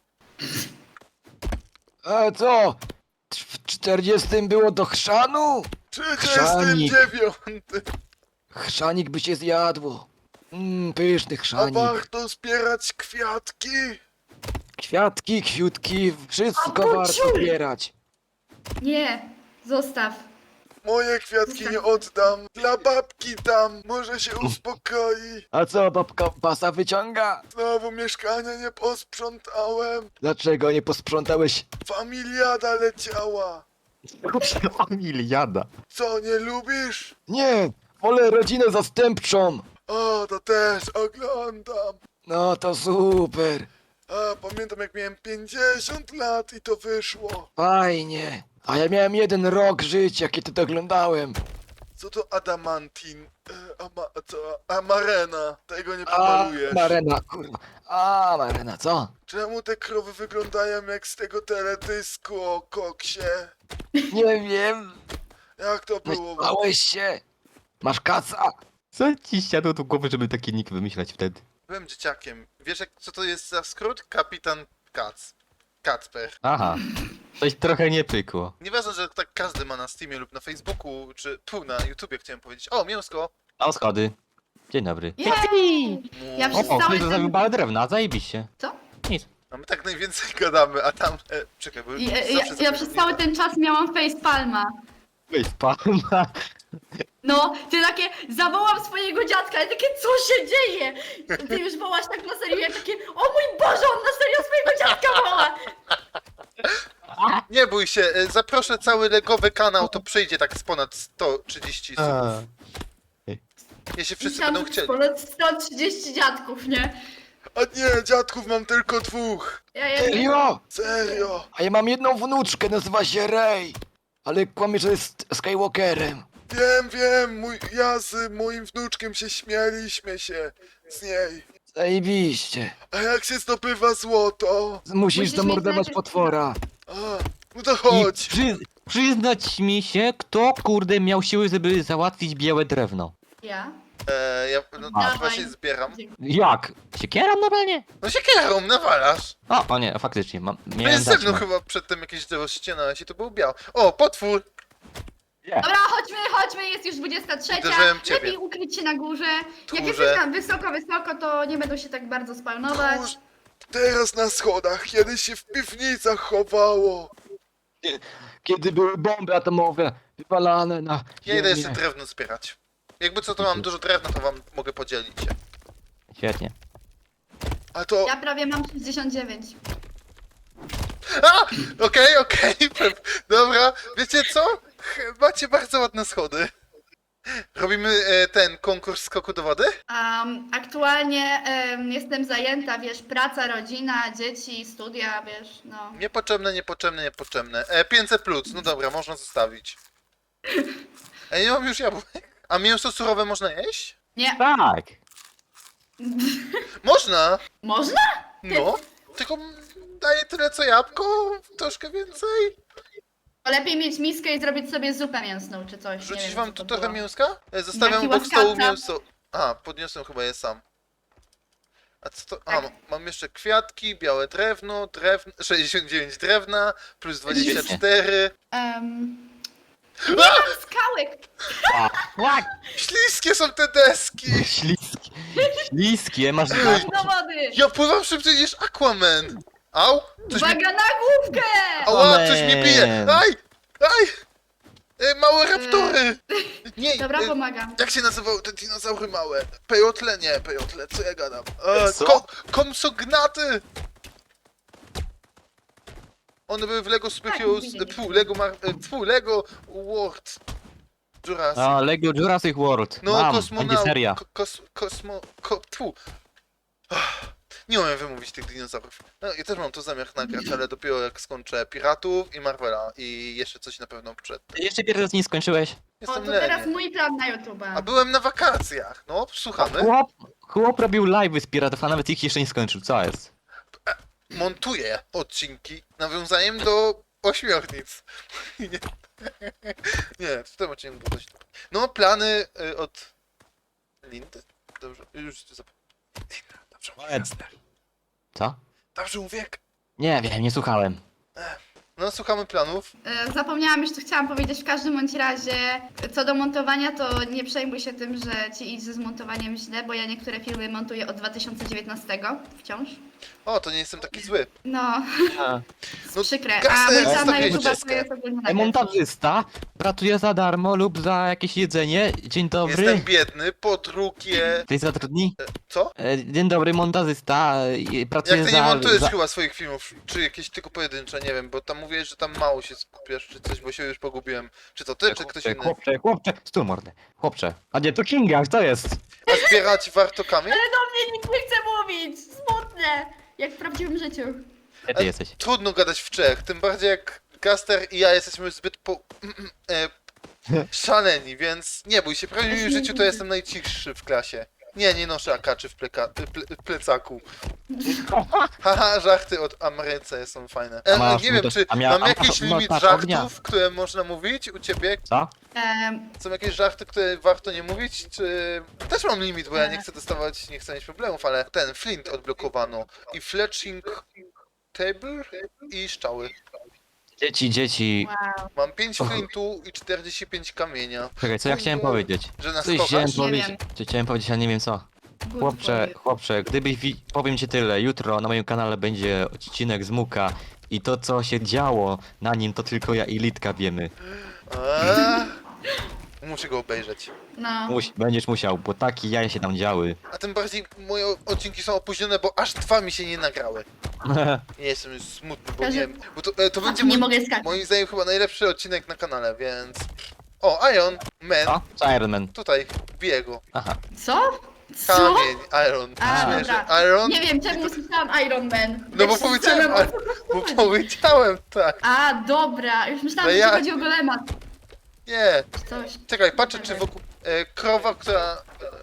Speaker 4: A co? W czterdziestym było do chrzanu?
Speaker 1: trzydziesty dziewiąty.
Speaker 4: Chrzanik by się zjadło. Mmm, pyszny
Speaker 1: A
Speaker 4: chrzanik.
Speaker 1: warto zbierać kwiatki?
Speaker 4: Kwiatki, kwiutki, wszystko
Speaker 2: A,
Speaker 4: warto
Speaker 2: pociuj!
Speaker 4: zbierać.
Speaker 2: Nie, zostaw.
Speaker 1: Moje kwiatki nie oddam. Dla babki dam. Może się uspokoi.
Speaker 4: A co, babka pasa wyciąga?
Speaker 1: Znowu mieszkania nie posprzątałem.
Speaker 4: Dlaczego nie posprzątałeś?
Speaker 1: Familiada leciała.
Speaker 3: Familiada.
Speaker 1: Co, nie lubisz?
Speaker 4: Nie, wolę rodzinę zastępczą.
Speaker 1: O, to też oglądam.
Speaker 4: No to super.
Speaker 1: A, pamiętam jak miałem pięćdziesiąt lat i to wyszło.
Speaker 4: Fajnie. A ja miałem jeden rok życia, kiedy to oglądałem.
Speaker 1: Co to adamantin? E, ama, co? Amarena. Tego nie
Speaker 4: A,
Speaker 1: pomalujesz.
Speaker 4: Marena, kurwa. A, Marena, co?
Speaker 1: Czemu te krowy wyglądają jak z tego teledysku o koksie?
Speaker 4: Nie wiem.
Speaker 1: Jak to było?
Speaker 4: Myślałeś się? Masz kaca?
Speaker 3: Co ci siadło do głowy, żeby taki nick wymyślać wtedy?
Speaker 1: Byłem dzieciakiem. Wiesz jak, co to jest za skrót? Kapitan Kac. Kacper.
Speaker 3: Aha. Coś trochę nie pykło.
Speaker 1: Nieważne, że tak każdy ma na Steamie lub na Facebooku, czy tu na YouTubie chciałem powiedzieć. O, mięsko!
Speaker 3: O, schody. Dzień dobry.
Speaker 2: Jej! Ja
Speaker 1: Mu-
Speaker 2: przez
Speaker 3: O, o,
Speaker 2: cały
Speaker 3: ktoś
Speaker 2: ten-
Speaker 3: zostawił balę drewna, zajebiście.
Speaker 2: Co?
Speaker 3: Nic.
Speaker 1: A my tak najwięcej gadamy, a tam... E, czekaj, bo...
Speaker 2: Ja, ja,
Speaker 1: zawsze
Speaker 2: ja
Speaker 1: sobie
Speaker 2: przez
Speaker 1: nie
Speaker 2: cały
Speaker 1: da.
Speaker 2: ten czas miałam facepalma.
Speaker 3: Weź pana.
Speaker 2: No, ty takie, zawołam swojego dziadka i takie, co się dzieje? Ty już wołasz tak na serio, ja takie, o mój Boże, on na serio swojego dziadka woła!
Speaker 1: Nie bój się, e, zaproszę cały legowy kanał, to przyjdzie tak z ponad sto trzydzieści subów. Jeśli wszyscy
Speaker 2: Myślałam,
Speaker 1: będą
Speaker 2: że
Speaker 1: chcieli.
Speaker 2: ponad sto trzydzieści dziadków, nie?
Speaker 1: A nie, dziadków mam tylko dwóch.
Speaker 2: Ja, ja,
Speaker 4: Serio?
Speaker 1: Serio.
Speaker 4: A ja mam jedną wnuczkę, nazywa się Rey. Ale kłamie, że jest Skywalkerem.
Speaker 1: Wiem, wiem, mój, ja z moim wnuczkiem się śmialiśmy się z niej.
Speaker 4: Zajebiście.
Speaker 1: A jak się zdobywa złoto?
Speaker 4: Musisz
Speaker 2: Musisz
Speaker 4: zamordować
Speaker 2: mieć najpierw-
Speaker 4: potwora.
Speaker 1: A, no to
Speaker 3: I
Speaker 1: chodź.
Speaker 3: przy, przyznać mi się, kto kurde miał siły, żeby załatwić białe drewno.
Speaker 2: ja.
Speaker 1: E, ja no,
Speaker 2: Dawaj.
Speaker 1: właśnie zbieram.
Speaker 3: Jak? Siekieram normalnie?
Speaker 1: No się kierą, nawalasz.
Speaker 3: O, o nie, faktycznie, mam,
Speaker 1: No
Speaker 3: miałem
Speaker 1: jest ze mną
Speaker 3: dać, no.
Speaker 1: chyba przedtem jakieś drzewo ścinałeś i to był biał. O, potwór!
Speaker 2: Dobra, chodźmy, chodźmy, jest już dwudziesta trzecia.
Speaker 1: Uderzyłem ciebie.
Speaker 2: Lepiej ukryć się na górze. Jak
Speaker 1: Tchórze.
Speaker 2: jesteś tam wysoko, wysoko, to nie będą się tak bardzo spawnować.
Speaker 1: Tchórz. Teraz na schodach, kiedyś się w piwnicach chowało.
Speaker 4: Kiedy były bomby atomowe wypalane na...
Speaker 1: Ja idę
Speaker 4: ziemię.
Speaker 1: jeszcze drewno zbierać. Jakby co, to mam dużo drewna, to wam mogę podzielić się.
Speaker 3: Świetnie.
Speaker 1: A to...
Speaker 2: Ja prawie mam sześćdziesiąt dziewięć.
Speaker 1: A! Okej, okej, pew- dobra. Wiecie co? Ch- Macie bardzo ładne schody. Robimy e, ten konkurs skoku do wody?
Speaker 2: Um, aktualnie em, jestem zajęta, wiesz, praca, rodzina, dzieci, studia, wiesz, no.
Speaker 1: Niepotrzebne, niepotrzebne, niepotrzebne. E, pięćset plus, no dobra, można zostawić. Ej, nie mam już jabłek. A mięso surowe można jeść?
Speaker 2: Nie,
Speaker 3: Tak.
Speaker 1: Można!
Speaker 2: można?
Speaker 1: No. Tylko daje tyle co jabłko, troszkę więcej.
Speaker 2: Lepiej mieć miskę i zrobić sobie zupę mięsną czy coś. nie
Speaker 1: Rzucić
Speaker 2: wiem,
Speaker 1: wam
Speaker 2: co
Speaker 1: tu
Speaker 2: to
Speaker 1: trochę
Speaker 2: było.
Speaker 1: mięska? E, Zostawiam
Speaker 2: Jaki
Speaker 1: obok stołu
Speaker 2: łaskawca.
Speaker 1: mięso. A, podniosłem chyba je sam. A co to? A,
Speaker 2: Tak.
Speaker 1: ma- mam jeszcze kwiatki, białe drewno, drewno, sześćdziesiąt dziewięć drewna, plus dwadzieścia cztery.
Speaker 2: Um, nie mam skałek!
Speaker 3: Tak.
Speaker 1: Śliskie są te deski!
Speaker 3: Śliskie. Śliskie, masz...
Speaker 1: Ej,
Speaker 2: Do wody!
Speaker 1: Ja pływam szybciej niż Aquaman! Au! Coś mi...
Speaker 2: Uwaga na główkę!
Speaker 1: Ała, coś mnie bije!
Speaker 3: Aquaman.
Speaker 1: Aj! Aj! E, małe raptory! Nie,
Speaker 2: Dobra,
Speaker 1: e,
Speaker 2: pomagam.
Speaker 1: jak się nazywały te dinozaury małe? Pejotle? Nie, pejotle, co ja gadam? E,
Speaker 3: Co?
Speaker 1: ko komsognaty! One były w Lego Superheroes,
Speaker 2: widzieliśmy.
Speaker 1: pfu, Lego Mar... e, pfu, Lego World Jurassic.
Speaker 3: A, Lego Jurassic World.
Speaker 1: No,
Speaker 3: Mam,
Speaker 1: kosmonau...
Speaker 3: będzie seria.
Speaker 1: Ko kos kosmo... Ko pfu. Ach, nie umiem wymówić tych dinozaurów. No, ja też mam to zamiar nagrać, ale dopiero jak skończę Piratów i Marvela i jeszcze coś na pewno przed.
Speaker 3: Jeszcze pierwszy raz nie skończyłeś?
Speaker 2: O,
Speaker 1: Jestem
Speaker 2: to teraz
Speaker 1: lenny.
Speaker 2: mój plan na
Speaker 1: A
Speaker 2: YouTube'a.
Speaker 1: byłem na wakacjach. No, słuchamy.
Speaker 3: Chłop, chłop robił live'y z piratów, a nawet ich jeszcze nie skończył. Co jest?
Speaker 1: Montuję odcinki nawiązaniem do ośmiornic. Nie, nie w tym odcinku było coś. No, plany y, od Lindy? Dobrze, już zapomniałem. Linda, dobrze mówię.
Speaker 3: Co?
Speaker 1: Dobrze mówię.
Speaker 3: Nie wiem, nie słuchałem.
Speaker 1: No, słuchamy planów.
Speaker 2: E, Zapomniałam już, co chciałam powiedzieć. W każdym bądź razie, co do montowania, to nie przejmuj się tym, że ci idzie z montowaniem źle, bo ja niektóre filmy montuję od dwa tysiące dziewiętnastego wciąż.
Speaker 1: O, to nie jestem taki zły.
Speaker 2: No,
Speaker 1: No,
Speaker 2: przykre. A
Speaker 1: kasę
Speaker 2: mój
Speaker 1: jest
Speaker 2: plan na
Speaker 1: stawiać
Speaker 2: YouTube
Speaker 1: dziecka.
Speaker 2: to jest ogólnie na
Speaker 3: Montażysta pracuje za darmo lub za jakieś jedzenie. Dzień dobry.
Speaker 1: Jestem biedny, po drugie...
Speaker 3: Ty zatrudni?
Speaker 1: Co?
Speaker 3: E, Dzień dobry, montażysta. e, Pracuje
Speaker 1: Jak ty
Speaker 3: za...
Speaker 1: nie montujesz
Speaker 3: za...
Speaker 1: chyba swoich filmów, czy jakieś tylko pojedyncze, nie wiem, bo tam mówisz mówiłeś, że tam mało się skupiasz, czy coś, bo się już pogubiłem. Czy to ty, czy ktoś
Speaker 3: Chłopcze,
Speaker 1: inny?
Speaker 3: chłopcze, chłopcze, stój mordę. Chłopcze. A nie, to Kinga, co jest?
Speaker 1: A zbierać warto kamień?
Speaker 2: Ale do mnie nikt nie chce mówić! Smutne! Jak w prawdziwym życiu.
Speaker 3: Gdzie ty jesteś?
Speaker 1: Trudno gadać w Czech, tym bardziej jak Gaster i ja jesteśmy zbyt po... e, szaleni, więc nie bój się, w prawdziwym życiu to jestem najcichszy w klasie. Nie, nie noszę akaczy w pleka, ple, plecaku. Haha, żarty od Ameryce są fajne. E,
Speaker 3: A masz
Speaker 1: nie wiem,
Speaker 3: moto-
Speaker 1: czy
Speaker 3: a mia-
Speaker 1: mam
Speaker 3: a
Speaker 1: jakiś
Speaker 3: masz
Speaker 1: limit
Speaker 3: motarz ognia?
Speaker 1: żartów, które można mówić u ciebie?
Speaker 3: Co?
Speaker 2: Em,
Speaker 1: Są jakieś żarty, które warto nie mówić, czy... Też mam limit, bo ja nie chcę dostawać, nie chcę mieć problemów, ale ten, Flint odblokowano. I Fletching Table i szczały.
Speaker 3: Dzieci, dzieci.
Speaker 2: wow.
Speaker 1: Mam pięć flintu i czterdzieści pięć kamienia.
Speaker 3: Czekaj, co ja chciałem powiedzieć?
Speaker 1: Że nas
Speaker 3: Coś
Speaker 1: kochasz?
Speaker 3: chciałem
Speaker 2: Nie
Speaker 3: powiedzieć.
Speaker 2: wiem.
Speaker 3: Coś chciałem powiedzieć, ale nie wiem co.
Speaker 2: Good
Speaker 3: Chłopcze,
Speaker 2: for you.
Speaker 3: chłopcze, gdybyś wi... powiem ci tyle, jutro na moim kanale będzie odcinek z Muka i to co się działo na nim to tylko ja i Litka wiemy.
Speaker 1: Eee, muszę go obejrzeć.
Speaker 2: No.
Speaker 3: Muś, będziesz musiał, bo takie jaja się tam działy.
Speaker 1: A tym bardziej moje odcinki są opóźnione, bo aż dwa mi się nie nagrały. Nie jestem już smutny, bo nie
Speaker 2: Każdy-
Speaker 1: wiem. Bo to, e, to będzie
Speaker 2: nie
Speaker 1: mój,
Speaker 2: mogę skakać.
Speaker 1: moim zdaniem chyba najlepszy odcinek na kanale, więc... O, Iron Man.
Speaker 3: Co? Co Iron Man?
Speaker 1: Tutaj, biję go.
Speaker 3: Aha.
Speaker 2: Co? Co?
Speaker 1: Kamień, Iron.
Speaker 2: A,
Speaker 1: Śmieszę.
Speaker 2: dobra.
Speaker 1: Iron?
Speaker 2: Nie wiem, czemu usłyszałam Iron Man.
Speaker 1: No bo
Speaker 2: Jak się
Speaker 1: powiedziałem,
Speaker 2: zastanawiam,
Speaker 1: a- bo powiedziałem tak.
Speaker 2: A, dobra. Już myślałam,
Speaker 1: No
Speaker 2: że
Speaker 1: ja-
Speaker 2: chodzi o golema.
Speaker 1: Nie.
Speaker 2: czy Coś.
Speaker 1: Czekaj, patrzę czy wokół... E, krowa, która...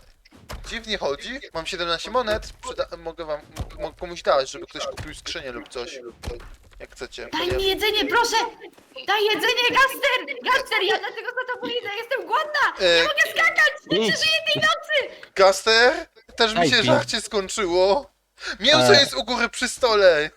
Speaker 1: E, dziwnie chodzi. Mam siedemnaście monet. Przyda mogę wam... Mogę komuś dać, żeby ktoś kupił skrzynię lub coś. Jak chcecie.
Speaker 2: Daj
Speaker 1: Ja-
Speaker 2: mi jedzenie, proszę! Daj jedzenie, Gaster! Gaster, ja dlatego za tobą idę, jestem głodna!
Speaker 1: E,
Speaker 2: Nie mogę skakać! Nie
Speaker 3: idź.
Speaker 2: przeżyję tej nocy!
Speaker 1: Gaster? Też mi
Speaker 3: Daj
Speaker 1: się
Speaker 3: mi.
Speaker 1: żarcie skończyło. Mięso
Speaker 3: E.
Speaker 1: jest u góry przy stole.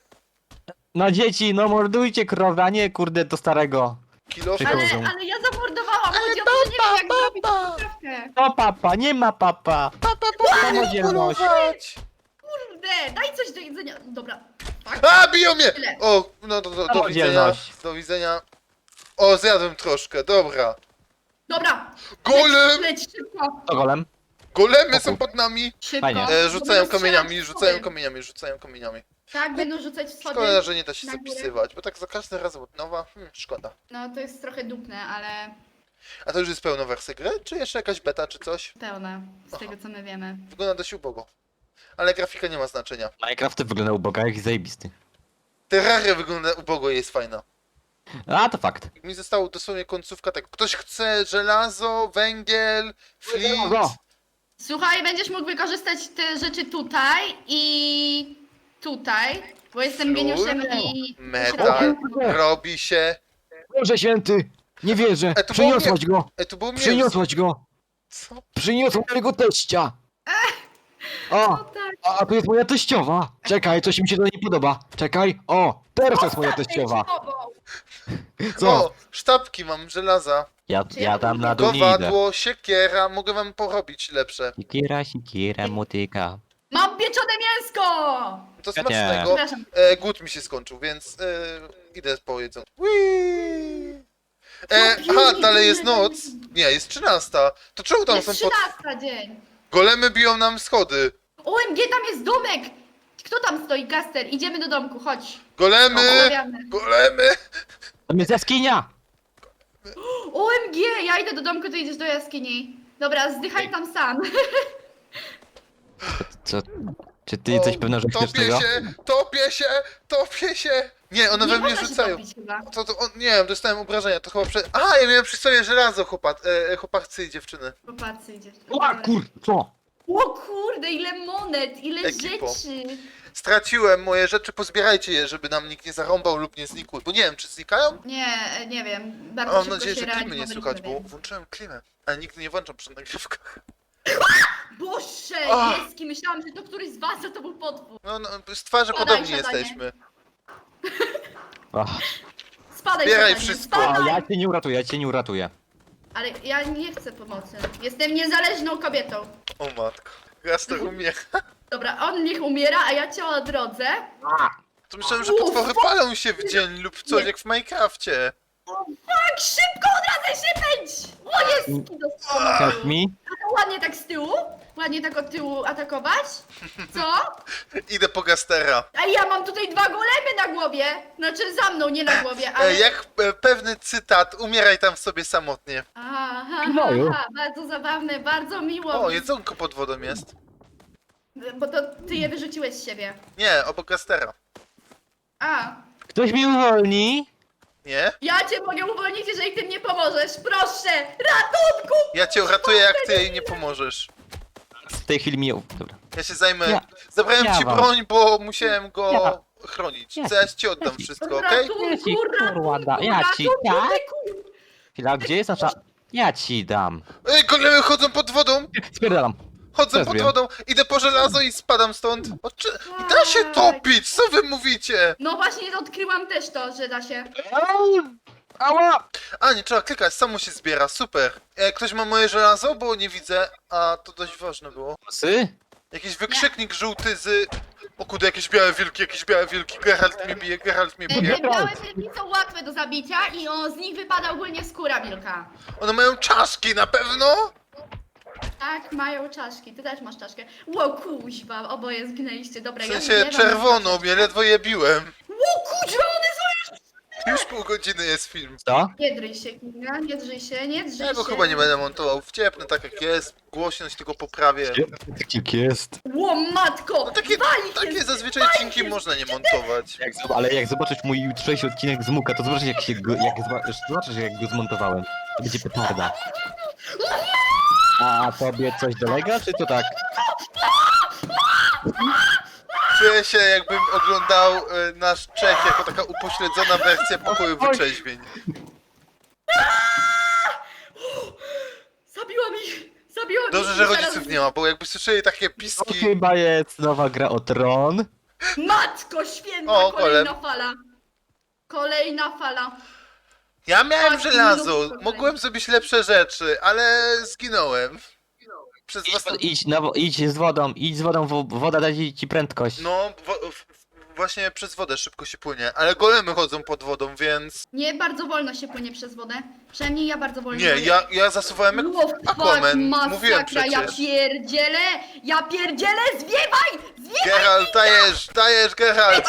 Speaker 3: No dzieci, no mordujcie krowę, a nie kurde do starego.
Speaker 1: Kilo.
Speaker 3: Czekaj.
Speaker 2: Ale,
Speaker 3: Przychodzą.
Speaker 2: ale ja zamordowałam, chodzi o to, że nie wiem jak zrobić poprawkę.
Speaker 3: O papa, nie ma papa. Samodzielność.
Speaker 1: Polować.
Speaker 2: Kurde, daj coś do jedzenia. Dobra.
Speaker 1: A, biją mnie!
Speaker 2: Tyle.
Speaker 1: O, no to do, do widzenia.
Speaker 3: Samodzielność.
Speaker 1: Do widzenia. O, zjadłem troszkę, dobra.
Speaker 2: Dobra.
Speaker 1: Golem!
Speaker 2: Leć, leć szybko.
Speaker 3: To golem?
Speaker 1: Golemy
Speaker 3: O
Speaker 1: są
Speaker 3: kur-
Speaker 1: pod nami.
Speaker 2: Szybko.
Speaker 3: Fajnie.
Speaker 1: E, rzucają
Speaker 2: Będą
Speaker 1: kamieniami,
Speaker 2: strzelać
Speaker 1: rzucają
Speaker 2: schody.
Speaker 1: kamieniami, rzucają kamieniami.
Speaker 2: Tak, będą rzucać schody.
Speaker 1: Szkoda, że nie da się
Speaker 2: na górę.
Speaker 1: zapisywać, bo tak za każdym razem od nowa. Hmm, szkoda.
Speaker 2: No to jest trochę dupne, ale
Speaker 1: A to już jest pełna wersja gry? Czy jeszcze jakaś beta, czy coś?
Speaker 2: pełne z tego co my wiemy.
Speaker 1: Wygląda dość ubogo. Ale grafika nie ma znaczenia.
Speaker 3: Minecraft wygląda uboga jak zajebisty.
Speaker 1: Terraria wygląda ubogo i jest fajna.
Speaker 3: A to fakt.
Speaker 1: Mi zostało dosłownie końcówka tak. Ktoś chce żelazo, węgiel, flint.
Speaker 3: Żelazo.
Speaker 2: Słuchaj, będziesz mógł wykorzystać te rzeczy tutaj i tutaj, bo jestem
Speaker 1: Flur,
Speaker 2: geniuszem i...
Speaker 1: metal, robi się.
Speaker 4: Boże święty! Nie wierzę!
Speaker 1: E, to było
Speaker 4: Przyniosłaś go!
Speaker 1: E, tu było mięso.
Speaker 4: Przyniosłaś go!
Speaker 1: Co?
Speaker 4: Przyniosła mojego teścia!
Speaker 2: O
Speaker 4: O!
Speaker 2: tak.
Speaker 4: A, a tu jest moja teściowa! Czekaj, coś mi się to nie podoba. Czekaj, o! Teraz to jest moja teściowa! Co?
Speaker 1: O, sztabki mam, żelaza.
Speaker 3: Ja,
Speaker 2: Czy
Speaker 3: ja
Speaker 2: ja
Speaker 3: tam na dół nie idę.
Speaker 1: Kowadło, siekiera, mogę wam porobić lepsze.
Speaker 3: Sikiera, sikiera, motyka.
Speaker 2: Mam pieczone mięsko!
Speaker 1: To
Speaker 3: Ja nie.
Speaker 1: smacznego.
Speaker 2: Przepraszam.
Speaker 1: E, głód mi się skończył, więc e, idę po jedzeniu. Whee! E, aha, dalej jest noc. Nie, jest trzynasta. To czemu tam
Speaker 2: Jest
Speaker 1: są pod...
Speaker 2: trzynasta dzień.
Speaker 1: Golemy biją nam schody.
Speaker 2: O M G, tam jest domek! Kto tam stoi? Gaster, idziemy do domku, chodź.
Speaker 1: Golemy!
Speaker 2: Rozmawiamy.
Speaker 1: Golemy!
Speaker 3: Tam jest jaskinia!
Speaker 2: O M G, ja idę do domku, ty idziesz do jaskini. Dobra, zdychaj tam sam.
Speaker 3: Co? Czy ty jesteś pewna, że chcesz
Speaker 1: Topię
Speaker 3: tego?
Speaker 1: się, topię się, topię się. Nie, one
Speaker 2: Nie
Speaker 1: we mnie
Speaker 2: można się
Speaker 1: rzucają.
Speaker 2: topić chyba.
Speaker 1: To, to, on, nie wiem, dostałem obrażenia, to chyba prze... Aha, ja miałem przy sobie żelazo, chłopak, e, chłopacy i dziewczyny.
Speaker 2: Popatrzcie, idziesz.
Speaker 4: O kur... co?
Speaker 2: O kurde, ile monet, ile
Speaker 1: Ekipo.
Speaker 2: rzeczy.
Speaker 1: Straciłem moje rzeczy, pozbierajcie je, żeby nam nikt nie zarąbał lub nie znikły. Bo nie wiem, czy znikają?
Speaker 2: Nie, nie wiem. Bardzo
Speaker 1: Mam
Speaker 2: szybko
Speaker 1: nadzieję,
Speaker 2: się
Speaker 1: że klimy nie
Speaker 2: reanimować
Speaker 1: słychać,
Speaker 2: sobie.
Speaker 1: bo włączyłem klimę. Ale nigdy nie włączam przy nagrywkach.
Speaker 2: Boże,
Speaker 1: Ach.
Speaker 2: Jeski, myślałam, że to któryś z was, a to był potwór.
Speaker 1: No, no z twarzy
Speaker 2: Siadaj,
Speaker 1: podobni
Speaker 2: siadanie.
Speaker 1: jesteśmy.
Speaker 3: Ach,
Speaker 2: Spadaj,
Speaker 1: Zbieraj
Speaker 2: siadanie,
Speaker 1: wszystko.
Speaker 3: a
Speaker 2: Spadaj.
Speaker 3: ja cię nie uratuję, ja cię nie uratuję.
Speaker 2: Ale ja nie chcę pomocy. Jestem niezależną kobietą.
Speaker 1: O matko. Gaster umie.
Speaker 2: Dobra, on niech umiera, a ja cię odrodzę.
Speaker 1: To myślałem, że
Speaker 2: Uf.
Speaker 1: potwory palą się w dzień lub coś
Speaker 2: Nie.
Speaker 1: jak w Minecrafcie.
Speaker 2: Tak, szybko odradzaj się pędź! O, jest! Dostałam.
Speaker 3: Help me?
Speaker 2: Ładnie tak z tyłu. ładnie tak od tyłu atakować? Co?
Speaker 1: Idę po Gastera.
Speaker 2: A ja mam tutaj dwa golemy na głowie. Znaczy za mną, nie na głowie, ale...
Speaker 1: E, jak e, pewny cytat, umieraj tam sobie samotnie.
Speaker 2: Aha, ha,
Speaker 4: Gnoju.
Speaker 2: ha, bardzo zabawne, bardzo miło.
Speaker 1: O, jedzonko pod wodą jest.
Speaker 2: Bo to ty je wyrzuciłeś z siebie.
Speaker 1: Nie, obok Gastera.
Speaker 2: A,
Speaker 3: Ktoś mnie uwolni?
Speaker 1: Nie?
Speaker 2: ja cię mogę uwolnić, jeżeli ty mnie pomożesz. Proszę, ratunku!
Speaker 1: Ja cię uratuję, jak ty jej nie pomożesz.
Speaker 3: W tej chwili mi... Dobra.
Speaker 1: Ja się zajmę.
Speaker 3: Ja-
Speaker 1: Zabrałem
Speaker 3: ja
Speaker 1: ci
Speaker 3: wam.
Speaker 1: broń, bo musiałem go
Speaker 3: Ja.
Speaker 1: chronić.
Speaker 3: Ja.
Speaker 1: Zaraz ci oddam
Speaker 3: Ja.
Speaker 1: wszystko, okej?
Speaker 2: Ratunku,
Speaker 3: Ja ci, kurwa, da-
Speaker 2: ratunku,
Speaker 3: ja ci-
Speaker 2: ratunku,
Speaker 3: tak?
Speaker 2: ratunku.
Speaker 3: Chwila, gdzie jest nasza... Ja ci dam.
Speaker 1: Ej, golemy chodzą pod wodą!
Speaker 3: Spierdalam.
Speaker 1: Chodzę
Speaker 3: Też
Speaker 1: pod
Speaker 3: wiem.
Speaker 1: wodą, idę po żelazo i spadam stąd. O, czy... Da się topić, co wy mówicie?
Speaker 2: No właśnie odkryłam też to, że da się.
Speaker 3: Ała!
Speaker 1: A, nie trzeba klikać, samo się zbiera, super. E, ktoś ma moje żelazo, bo nie widzę, a to dość ważne było.
Speaker 3: Psy?
Speaker 1: Jakiś wykrzyknik żółty z... O kurde, jakieś białe wilki, jakieś białe wilki, Geralt mnie bije, Geralt mnie
Speaker 2: E,
Speaker 1: bije.
Speaker 2: Te białe wilki są łatwe do zabicia i o, z nich wypada ogólnie skóra wilka.
Speaker 1: One mają czaszki, na pewno?
Speaker 2: Tak, mają czaszki. Ty też masz czaszkę. Ło, kuźwa, oboje zginęliście. Dobra,
Speaker 1: W
Speaker 2: ja
Speaker 1: sensie
Speaker 2: nie
Speaker 1: czerwoną, mnie ledwo je biłem.
Speaker 2: Ło, kuźwa, one są już...
Speaker 1: Już pół godziny jest film.
Speaker 3: Co?
Speaker 2: Nie drzyj się, Kinga, nie drzyj się, nie drzyj
Speaker 1: Ja go
Speaker 2: się.
Speaker 1: chyba nie będę montował, wciepnę tak jak jest, głośność tylko poprawię.
Speaker 4: Tak jest.
Speaker 2: Ło, matko!
Speaker 1: No takie,
Speaker 2: wali się
Speaker 1: takie
Speaker 2: z-
Speaker 1: zazwyczaj odcinki można nie montować.
Speaker 3: Jak, zob- ale jak zobaczysz mój jutrzejszy odcinek z Muka, to zobaczysz jak się go, jak zobaczysz, zobaczysz jak go zmontowałem. To będzie petarda. A tobie coś dolega, czy to tak?
Speaker 1: Czuję się jakbym oglądał e, nasz Czech jako taka upośledzona wersja pokoju wyczeźwień.
Speaker 2: Zabiłam ich! Zabiłam ich!
Speaker 1: Dobrze, że
Speaker 2: i zaraz-
Speaker 1: rodziców nie ma, bo jakby słyszeli takie
Speaker 3: To
Speaker 1: piski...
Speaker 3: chyba jest nowa gra o tron.
Speaker 2: Matko święta,
Speaker 1: O,
Speaker 2: kolejna
Speaker 1: golem.
Speaker 2: fala. Kolejna fala.
Speaker 1: Ja miałem
Speaker 2: Tak,
Speaker 1: żelazo,
Speaker 2: minutko
Speaker 1: mogłem zrobić lepsze rzeczy, ale zginąłem. Przez
Speaker 3: Idź,
Speaker 1: własną...
Speaker 3: idź, na, wo- idź z wodą, idź z wodą, wo- woda da ci ci prędkość.
Speaker 1: No, wo- w- właśnie przez wodę szybko się płynie, ale golemy chodzą pod wodą, więc...
Speaker 2: Nie bardzo wolno się płynie przez wodę. Przynajmniej ja bardzo wolno
Speaker 1: Nie,
Speaker 2: płyję.
Speaker 1: ja, ja zasuwałem jak
Speaker 2: Ło, fuck,
Speaker 1: Aquaman, mówiłem
Speaker 2: masakra, ja
Speaker 1: przecież.
Speaker 2: pierdzielę! Ja pierdzielę! Zwiewaj! Zwiewaj!
Speaker 1: Geralt, dajesz, dajesz, Geralt!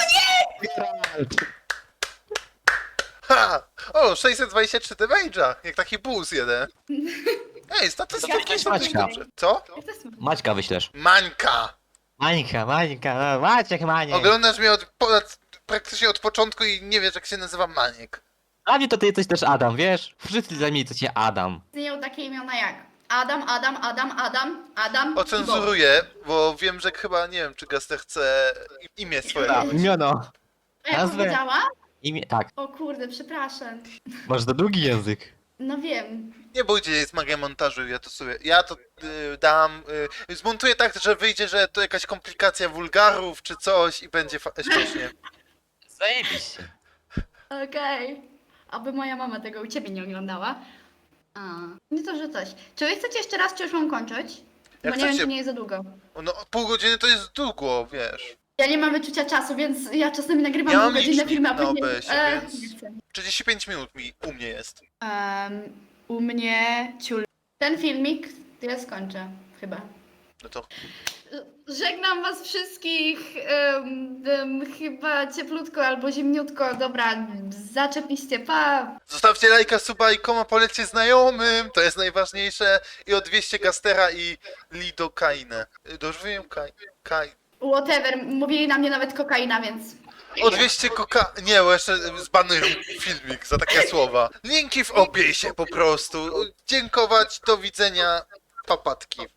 Speaker 1: Ha! O, sześćset dwadzieścia trzy damage'a, jak taki boost jeden. Ej, statystyki są dość
Speaker 3: Maćka.
Speaker 1: dobrze. Co?
Speaker 2: Jak to jest?
Speaker 3: Maćka wyślesz.
Speaker 1: Mańka!
Speaker 3: Mańka, Mańka, no, Maciek, Maniek.
Speaker 1: Oglądasz mnie od, ponad, praktycznie od początku i nie wiesz jak się nazywa Maniek.
Speaker 3: A mnie to ty jesteś też Adam, wiesz? Wszyscy zajmniej to cię Adam.
Speaker 2: Istnieją takie imiona jak Adam, Adam, Adam, Adam, Adam i Bob.
Speaker 1: Ocenzuruję, bo wiem, że chyba, nie wiem, czy Gaster chce imię swoje dać.
Speaker 3: Imiono.
Speaker 2: A jak
Speaker 3: nazwę.
Speaker 2: powiedziała?
Speaker 3: Imię, tak.
Speaker 2: O kurde, przepraszam.
Speaker 3: Masz za długi język.
Speaker 2: No wiem.
Speaker 1: Nie bójcie, jest magia montażu, ja to sobie, ja to y, dam, y, zmontuję tak, że wyjdzie, że to jakaś komplikacja wulgarów czy coś i będzie fa- śmiesznie.
Speaker 3: Zajebiście.
Speaker 2: Okej. Aby moja mama tego u ciebie nie oglądała. A, nie to, że coś. Czy wy chcecie jeszcze raz, czy już mam kończyć? Bo
Speaker 1: Jak
Speaker 2: nie wiem,
Speaker 1: chcecie.
Speaker 2: czy nie jest za długo.
Speaker 1: No pół godziny to jest długo, wiesz.
Speaker 2: Ja nie mam wyczucia czasu, więc ja czasami nagrywam
Speaker 1: Ja mam
Speaker 2: półgodzinne
Speaker 1: licznik
Speaker 2: filmy, a
Speaker 1: na
Speaker 2: później...
Speaker 1: O B S-ie,
Speaker 2: E,
Speaker 1: więc-
Speaker 2: nie chcę.
Speaker 1: trzydzieści pięć minut mi, u mnie jest.
Speaker 2: Em, u mnie ciul. Ten filmik ja skończę, chyba.
Speaker 1: No to
Speaker 2: Żegnam was wszystkich, em, em, chyba cieplutko albo zimniutko, dobra, zaczepiście, pa!
Speaker 1: zostawcie lajka, suba i koma, polećcie znajomym, to jest najważniejsze. I o dwieście Gastera i Lidokainę. Y, Dobrze wiem, Kaj... Kaj...
Speaker 2: Whatever, mówili na mnie nawet kokaina, więc...
Speaker 1: O dwieście koka... Nie, bo jeszcze zbanują filmik za takie słowa. Linki w opisie po prostu. Dziękować, do widzenia, papatki.